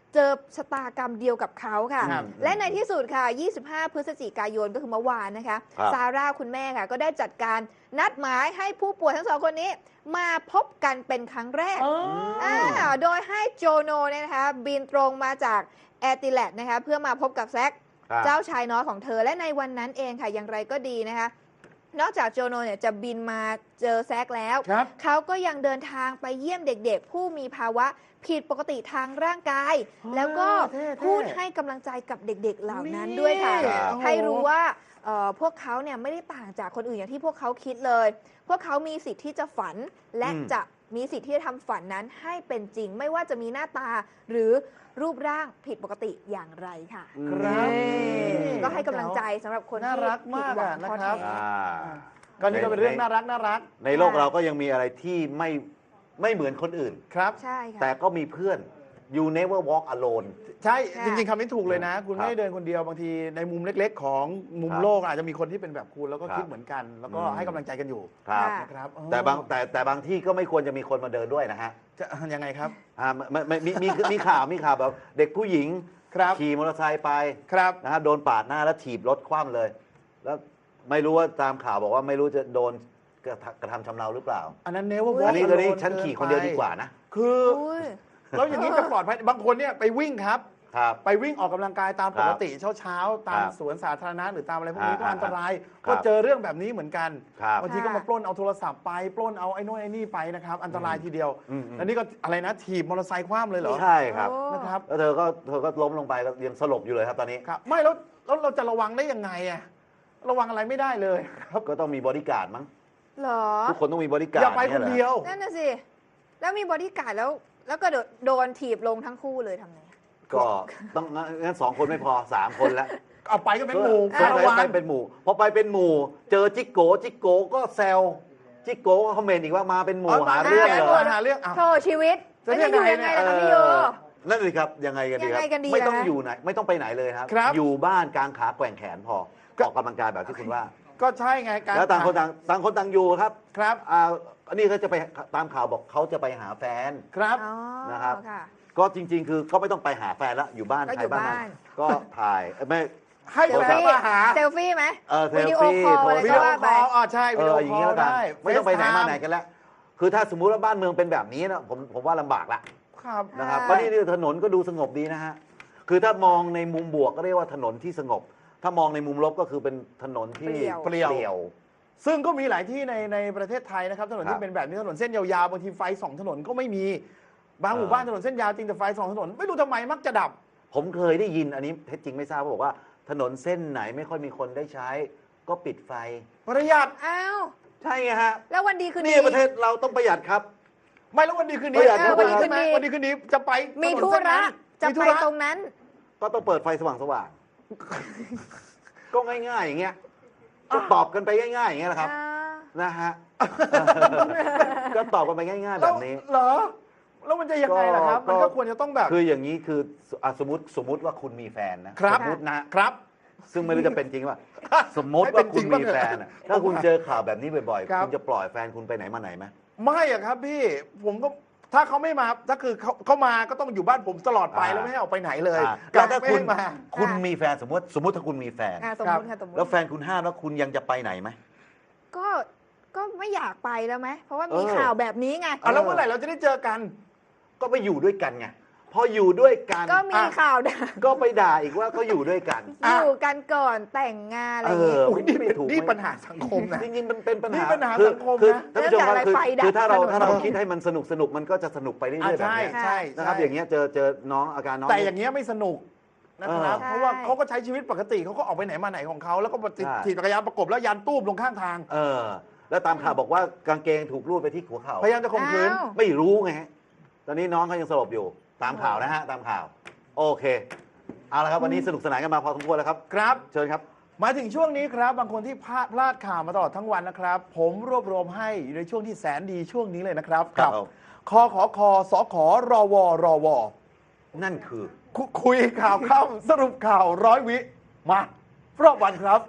เจอชะตากรรมเดียวกับเขาค่ะ
ครับ
และในที่สุดค่ะ ยี่สิบห้า พฤศจิกายนก็คือเมื่อวานนะคะ
ครับ
ซาร่าคุณแม่ค่ะ ก็ได้จัดการนัดหมายให้ผู้ป่วยทั้งสองคนนี้ มาพบกันเป็นครั้งแรก
อ๋ออ
อ่าโดยให้โจโนเนี่ยนะคะ บินตรงมาจากแอร์ติแลดนะคะ เพื่อมาพบกับแซค
ครับ
เจ้าชายน้อยของเธอและในวันนั้นเองค่ะ อย่างไรก็ดีนะคะ นอกจากโจโนเนี่ยจะบินมาเจอแซคแล้ว
ครับ
เขาก็ยังเดินทางไปเยี่ยมเด็กๆ ผู้มีภาวะผิดปกติทางร่างกาย
อ๋อ
แล้วก็
เท่ๆ
พูดให้กำลังใจกับเด็กๆ เหล่านั้นด้วยค่ะ
นี่
ครับ
ให้รู้ว่าเอ่อพวกเขาเนี่ยไม่ได้ต่างจากคนอื่นอย่างที่พวกเขาคิดเลย พวกเขามีสิทธิ์ที่จะฝัน และ
อืม
จะมีสิทธิ์ที่จะทำฝันนั้นให้เป็นจริง ไม่ว่าจะมีหน้าตาหรือรูปร่างผิดปกติอย่างไรค่ะ
ครับ
นี่ก็ให้กำลังใจสำหรับคน
น่า
ที่
รักมาก
ผิดหวัง
อะ
ท้อ
นะครับ
แท้
อ่า
ก็นี่ก็เป็นเรื่องน่ารักน่ารัก
ในโลกเราก็ยังมีอะไรที่ไม่ไม่เหมือนคนอื่น
ครับ
ใช่ค่ะ
แต่ก็มีเพื่อน you never walk alone
ใช่
ค่ะ
จริงๆคำนี้ถูกเลยนะ คุณ
ครับ
ไม่ได้เดินคนเดียวบางทีในมุมเล็ก ๆ ของมุม
ครับ
โลกอาจจะมีคนที่เป็นแบบคุณแล้วก็
ครับ
คิดเหมือนกัน แล้วก็
อืม
ให้กำลังใจกันอยู่
ครับ
ค่ะ
นะครับเออ
แต่บางแต่แต่บางที่ก็ไม่ควรจะมีคนมาเดินด้วยนะฮะ
จะยังไงครับ
อ่าไม่ไม่มีมีมีข่าวมีข่าวแบบเด็กผู้หญิง
ครับ
ขี่มอเตอร์ไซค์ไป
ครับ
นะครับโดนปาดหน้าแล้วถีบรถคว่ำเลย แล้วไม่รู้ว่าตามข่าวบอกว่าไม่รู้จะโดนกระทำกระทำชำเราหรือเปล่า
อันนั้นเนว่า
อุ๊ย
อันนี้ตอนนี้ฉันขี่คนเดียวดีกว่านะ
คือ
อุ้ย
แล้วอย่างนี้จะปลอดภัยบางคนเนี่ยไปวิ่งครับ
ครับ
ไปวิ่งออกกำลังกายตามปกติเช้าเช้าๆตาม
ครับ
สวนสาธารณะหรือตามอะไรพวกนี้ก็
อ่า
อันตราย
ครับ
ก็เจอเรื่องแบบนี้เหมือนกัน
ครับ
บางทีก็มาปล้นเอาโทรศัพท์ไปปล้นเอาไอ้โน่นไอ้นี่ไปนะครับอันตรายทีเดียว
อืมอืม
แล้วนี่ก็อะไรนะถีบมอเตอร์ไซค์คว่ำเลยเหรอ
ใช่ครับ
โอ้
นะครับ
แล้วเธอก็เธอก็ล้มลงไปก็ยังสลบอยู่เลยครับตอนนี้
ครับไม่แล้วแล้วเราจะระวังได้ยังไงอะระวังอะไรไม่ได้เลยครับ
ก็ต้องมีบอดี้การ์ดมั้ง
เหรอ
ทุกคนต้องมีบอดี้การ์
อ
ด
ย่าไปคนเดียว
นั่นน่ะสิ แล้วมีบอดี้การ์ดแล้ว แล้วก็โดนโดนถีบลงทั้งคู่เลยทำไง
ก็ต้องงั้นสองคนไม่พอสามคนแล้ว
เอาไปก็เป็นหมู่
สง
ระ
สัย
วัง
ไปเป็นหมู่พอไปเป็นหมู่ เจอจิกโกจิกโกก็แซวจิกโกก็คอมเมนต์อีกว่ามาเป็นหมู่หาเรื่องเหรอ
หาเรื่องอ่ะ
โธ่ชีวิต
จะ
แล้ว
เรีย
จะ
ก
อยู่
ไง
ยังไง
เนี่ย
ล่ะคะพี่โย
นั่นเลยครับยังไงกันดีครั
ยังไงกันดี
ไม่ต้อง
ล่ะ
อยู่ไหนไม่ต้องไปไหนเลยครับ
ครับ
อยู่บ้านกางขาแกว่งแขนพอออกกำลังกายแบบที่คุณว่า
ก็ใช่ไงการ
แล้วต่างคนต่างต่างคนต่างอยู่ครับ
ครับ
อ่าอันนี้เขาจะไปตามข่าวบอกเขาจะไปหาแฟน
ครับ
อ๋อ
นะครับ
ค่ะ
ก็จริง ๆ คือก็ไม่ต้องไปหาแฟนแล้วอยู่บ้าน
ก็
ใคร
อยู่
บ้านมัน
บ้าน
ก็ถ่ายเอ้ยไม่
ให้
เซ
แฟ
ล
น
ฟี่
มาหา
เซลฟี่ไหม
เออเซ
วิ
ล
ดีโอ
ฟี่
คอล
โพ
อะไร
ส
วิ
ก็
ดีโอ
ว่า
ค
ไป
อลอ่าใช่
เอ
วิดี
อ
โอ
อย่าง
คอ
นี้
ล
แล้วกัน
ได้
ไม่ต้องไปไหนมาไหน
FaceTime
กันแล้ว คือถ้าสมมุติว่าบ้านเมืองเป็นแบบนี้นะผมผมว่าลำบากละ
ครับ
นะครับ
อ่า
ก็นี่นี่ถนนก็ดูสงบดีนะฮะคือถ้ามองในมุมบวกก็เรียกว่าถนนที่สงบ ถ้ามองในมุมลบก็คือเป็นถนนที่
เปลี่ยว
เปลี่ยว
ซึ่งก็มีหลายที่ในในประเทศไทยนะครับถนน
ครั
ที่
บ
เป็นแบบนี้ถนนเส้นยาวๆบางทีไฟสองถนนก็ไม่มีบางหมู่
เออ
บ้านถนนเส้นยาวจริงแต่ไฟสองถนนไม่รู้ทำไมมักจะดับ
ผมเคยได้ยินอันนี้เท็จจริงไม่ทราบเขาบอกว่า ถนนเส้นไหนไม่ค่อยมีคนได้ใช้ ก็ปิดไฟ
ประหยัด
อ้าว
ใช่ไงฮะ
แล้ววันดีคืนดี
นี่ประเทศเราต้องประหยัดครับ
ไม่แล้ววันดีคืน
ป
นี้
ระหยัด
เออ
ประหยัด
ใช่ไหมวันดีคืนนี้จะไป
มี
ถนน
ธุ
เส้น
ระ
นั้น
จะ
มีธุ
ไป
ระ
ตรงนั้น
ก็ต้องเปิดไฟสว่างสว่างๆ ก็ง่ายๆอย่างเงี้ยก็ตอบกันไปง่ายๆอย่างเงี้ยแหละครับ
อ่า
นะฮะ ก็ตอบกันไปง่ายๆ แบบนี้
แล้วเหรอ แล้วมันจะยังไงล่ะครับ
ก็
มันก็ควรจะต้องแบบ
คืออย่างนี้คืออ่ะสมมติสมมติว่าคุณมีแฟนนะครับ สมมตินะครับ ซึ่งไม่รู้จะเป็นจริงว่า สมมติ
ให้เป็
ว่าน
จ
คุ
ริ
ณ
งบ้าง
มี
เถอะ
แฟนอะถ้าคุณเจอข่าวแบบนี้บ่อย
ครั
ๆ
บ
คุณจะปล่อยแฟนคุณไปไหนมาไหนไหม
ไม่อะครับพี่ผมก็ถ้าเขาไม่มาถ้าคือเขาเขามาก็ต้องอยู่บ้านผมตลอดไป
อ่า
แล้วไม่ให้ออกไปไหนเลย
อ่ะ
กลั
แล้
บ
วถ้า
ไม่
คุณ
ให้มา
คุณมีแฟนสมมติ สมมติถ้าคุณมีแฟน
อ่าสมมติค่ะสมมติ
แล้วแฟนคุณห้ามแล้วคุณยังจะไปไหนไหม
ก็ก็ไม่อยากไปแล้วไหมเพราะว่ามี
เออ
ข่าวแบบนี้ไง
อ่ะแล้วเมื่อไหร่เราจะได้เจอกัน
ก็ไปอยู่ด้วยกันไงพออยู่ด้วยกัน
ก็มี
อ่ะ
ข่าวด่า
ก็ไปด่าอีกว่าเขาอยู่ด้วยกัน
อ่ะ
อยู่กันก่อนแต่งงานอะไร
เอ
อย่างเงี้ย
อ
อุ้ยนี่
ไม่ถูก
นี่
ไหม
ปัญหาสังคมนะ
จริงๆมันเป็นปัญ
นี่
หา
ปัญหา
คือ
สังคม
คือ
นะ
ท่านผู้ชมครับ
เรื่อง
คือ
จากอะไรไฟดับ
คือถ้าเรา
ถนน
ถ้าเราคิดให้มันสนุกสนุกมันก็จะสนุกไปเรื่
อ่ะ
อยๆแบบ
ใช่
นี้
ใช่
นะครับ
ใช่
อย่างเงี้ยเจอเจอน้องอาการน้อง
แต่อย่างเงี้ยไม่สนุกนะครับ
เออ
เพราะว่า
ใช่
เขาก็ใช้ชีวิตปกติเขาก็ออกไปไหนมาไหนของเขาแล้วก็ติด
ใช่
ถีบจักรยานประกบแล้วยันตู้มลงข้างทาง
เออ แล้วตามข่าวบอกว่ากางเกงถูกรูดไปที่หัวเข่า
พยายามจะข่มขืน
อ้าว
ไม่รู้ไงฮะตอนนี้น้องเขายังสลบอยู่ตามข่าวนะฮะตามข่าว โอเคเอาละครับวันนี้สนุกสนานกันมาพอสมควรแล้วครับ
ครับ
เชิญครับ
มาถึงช่วงนี้ครับ บางคนที่พลาดพลาดข่าวมาตลอดทั้งวันนะครับ ผมรวบรวมให้อยู่ในช่วงที่แสนดีช่วงนี้เลยนะครับ
ครับ
คอขอคอสอขอรอวอรอวอ
นั่นคือ
คุคุยข่าวค่ำสรุปข่าวร้อยวิ มารอบวันครับ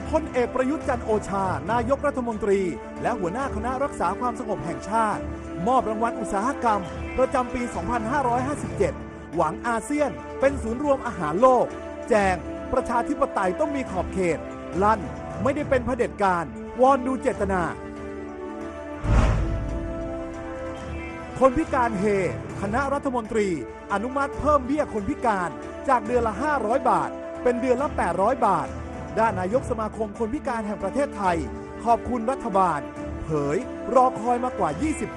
พลเอกประยุทธ์จันทร์โอชา นายกรัฐมนตรี และหัวหน้าคณะรักษาความสงบแห่งชาติ มอบรางวัลอุตสาหกรรม ประจำปี สองพันห้าร้อยห้าสิบเจ็ด หวังอาเซียนเป็นศูนย์รวมอาหารโลก แจงประชาธิปไตยต้องมีขอบเขต ลั่นไม่ได้เป็นเผด็จการ วอนดูเจตนา คนพิการเฮ คณะรัฐมนตรี อนุมัติเพิ่มเบี้ยคนพิการจากเดือนละ ห้าร้อย บาท เป็นเดือนละ แปดร้อย บาท ด้านนายกสมาคมคนพิการแห่งประเทศไทย ขอบคุณรัฐบาล เผยรอคอยมากว่า ยี่สิบ ปี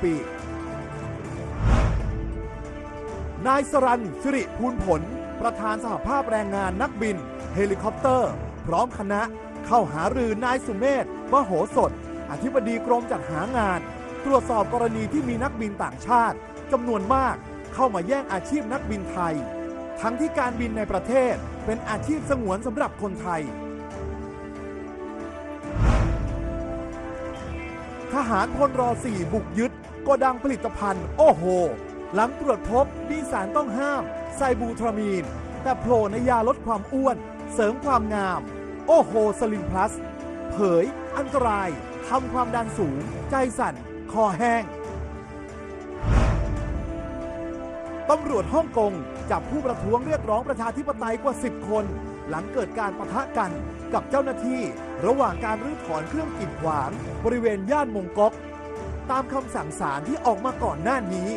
นายสรัญ สิริภูลผล ประธานสหภาพแรงงานนักบิน เฮลิคอปเตอร์ พร้อมคณะเข้าหารือนายสุเมธ มโหสถ อธิบดีกรมจัดหางาน ตรวจสอบกรณีที่มีนักบินต่างชาติจำนวนมากเข้ามาแย่งอาชีพนักบินไทย ทั้งที่การบินในประเทศเป็นอาชีพสงวนสำหรับคนไทย ทหารพลรอสี่บุกยึดโกดังผลิตภัณฑ์โอ้โห หลังตรวจพบมีสารต้องห้ามไซบูทรามีน แต่โผล่ในยาลดความอ้วน เสริมความงาม โอ้โหสลิมพลัส เผย อันตรายทำความดันสูง ใจสั่น คอแห้ง ตำรวจฮ่องกงจับผู้ประท้วงเรียกร้องประชาธิปไตยกว่า สิบ คน หลังเกิดการปะทะกันกับเจ้าหน้าที่ ระหว่างการรื้อถอนเครื่องกีดขวางบริเวณย่านมงก๊กตามคำสั่งศาลที่ออกมาก่อนหน้านี้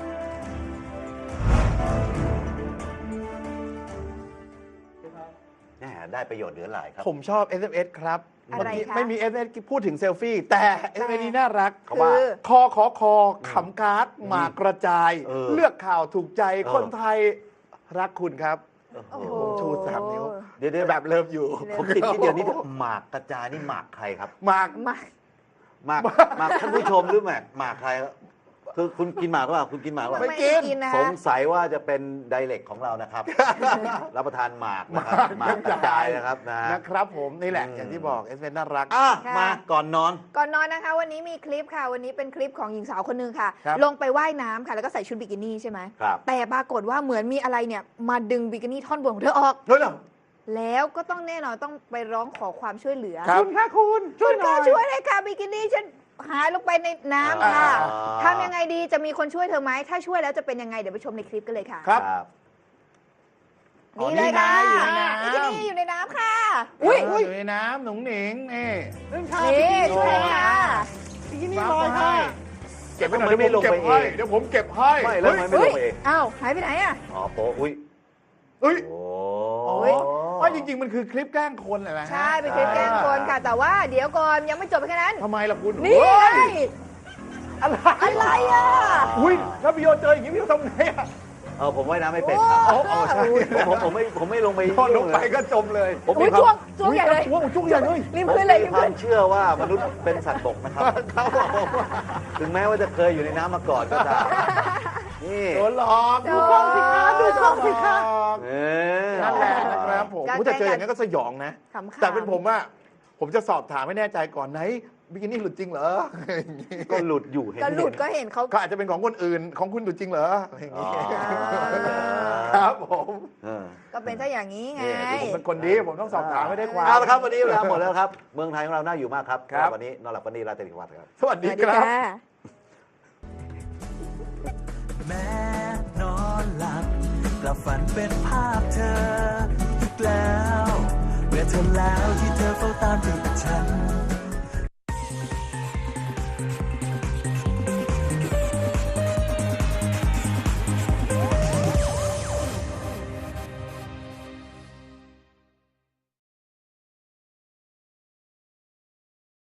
แหม่ได้ประโยชน์เหลือหลายครับ
ผมชอบ เอส เอ็ม เอส ครับ
อะไร
เมื่อกี้
คะ
ไม่มี เอส เอ็ม เอส พูดถึงเซลฟี่ แต่ เอส เอ็ม เอส นี้น่ารัก
เขาว่า
คือ
คอขอคอขำการ์ดหมากกระจาย
เออ
เลือกข่าวถูกใจ
เออ
คนไทยรักคุณครับ
โอ้โห
โอ้โห
ผมชูสามนิ้ว
เดี๋ยวเดี๋ยว
แบบเริ่มอยู่
ผมติดนิดเดียวนิดเดียวหมากกระจายนี่หมากใครครับ
หมาก
มา
หมากหมากท่านผู้ชมหรือหมากหมากใครครับคือคุณกินหมากหรือเปล่าคุณกินหมากหรือเปล่า
ไม่กิน
กินนะ
ส
คะ
งสัยว่าจะเป็นไดเรกของเรานะครับ รับประทานหมากนะครับหมากกระจายนะครับนะ
นะครับผมนี่แหละ
อืม
อย่างที่บอก เอส เอ็ม เอส น่ารัก
อ่ะ
ค่ะ
มาก่อนนอน
ก่อนนอนนะคะ วันนี้มีคลิปค่ะ วันนี้เป็นคลิปของหญิงสาวคนหนึงค่ะ
ครับ
ลงไปว่ายน้ำค่ะ แล้วก็ใส่ชุดบิกินี่ใช่ไหม
ครับ
แต่ปรากฏว่าเหมือนมีอะไรเนี่ยมาดึงบิกินี่ท่อนบนของเธอออก
เฮ้ยเหรอ
แล้วก็ต้องแน่นอนต้องไปร้องขอความช่วยเหลือ
ครับ
ณค่ะคุณช่วยหน่อยช่วยเลยค่ะบิกินี่ฉันหายลงไปในน้ำค่ะ
อ่า
ทำยังไงดีจะมีคนช่วยเธอไหมถ้าช่วยแล้วจะเป็นยังไงเดี๋ยวไปชมในคลิปกันเลยค่ะ
ครับ
ครับ
อ๋อ
นี่เลยค่ะ
นี่ไงอยู่ในน้ำ
บิกินี่อยู่ในน้ำค่ะ
อุ้
อุ้
ย
ย
อยู่ในน้ำหนุ่งหนิงนี่
นี่ช่วยค่ะ
นี่ลอยให้เก็บไว้หน่อย
ทำไมไม่
เดี๋ยวผมเก็บ
ลงไป
ให้
เอง
เดี๋ยวผมเก็บให้
ไม่แล้วทำไมไม่ลงไปเอง
อ้าวหายไปไหนอ่ะ
อ๋อโปะอุ้ย
เฮ้ย
โอ้
อ๋อ
เฮ้ย
ว่าจริง ๆ มันคือคลิปแกล้งคนแหละนะฮะ
ใช่เป็นคลิปแกล้งคนค่ะ แต่ว่าเดี๋ยวก่อนยังไม่จบแค่นั้น
ทำไมล่ะคุณ
นี่ไง
เฮ้ยอะไร
อะไรอ่ะ
อุ้ยถ้าพี่โยเจออย่างนี้พี่โยทำไงอ่ะ
เออผมว่ายน้ำไม่เป็นครับ
อ๋ออ๋อใช่
ผมผมผมไม่ผมไม่ลงไป
พอลงไป
ยุ่เลย
ก็จมเลย
ผม
อุ้
มี
ย
ความ
จ้วงจ้วงใหญ่เลย
จ้วงจ้วงใหญ่เลย
ริม
ผม
พื้นเลย
มี
ริม
ควา
พื้
ม
น
เชื่อว่ามนุษย์เป็นสัตว์บกนะครับ
ครับผม
ถึงแม้ว่าจะเคยอยู่ในน้ำมาก่อนก็ตามนี่
โดนหลอก
ดูกล้องสิคะดูกล้องสิคะ
เออ
นั่นแหละนะครับผม
การ
ผมจะเจออย่างนั้นก็สยองนะ
ขำๆ
แต่เป็นผมอะผมจะสอบถามให้แน่ใจก่อนไหนบิกินี่หลุดจริงเหรออย่างงี้
ก็หลุดอยู่เห็น
ก็หลุดก็
เห็น
เห็นเขา
ก็อาจจะเป็นของคนอื่นของคุณหลุดจริงเหรออย่าง
อ๋อ
งี้
ค
ครับผม
เออ
ก็เป็นถ้าอย่างนี้ไง
นี่ผมเป็นคนดีผมต้องสอบถามให้ได้ความ
เอาละครับวันนี้เวลาหมดแล้วครับ เมืองไทยของเราน่าอยู่มากครับ
ครับ
วันนี้นอนหลับวันนี้ราตรีสวัสดิ์ครับ
สวัส
ส
ดี
วัสดี
ครับ
ค่ะ
แม้นอนหลับกลับฝันเป็นภาพเธออีกแล้วเมื่อเธอแล้วที่เธอเฝ้าตามติดฉัน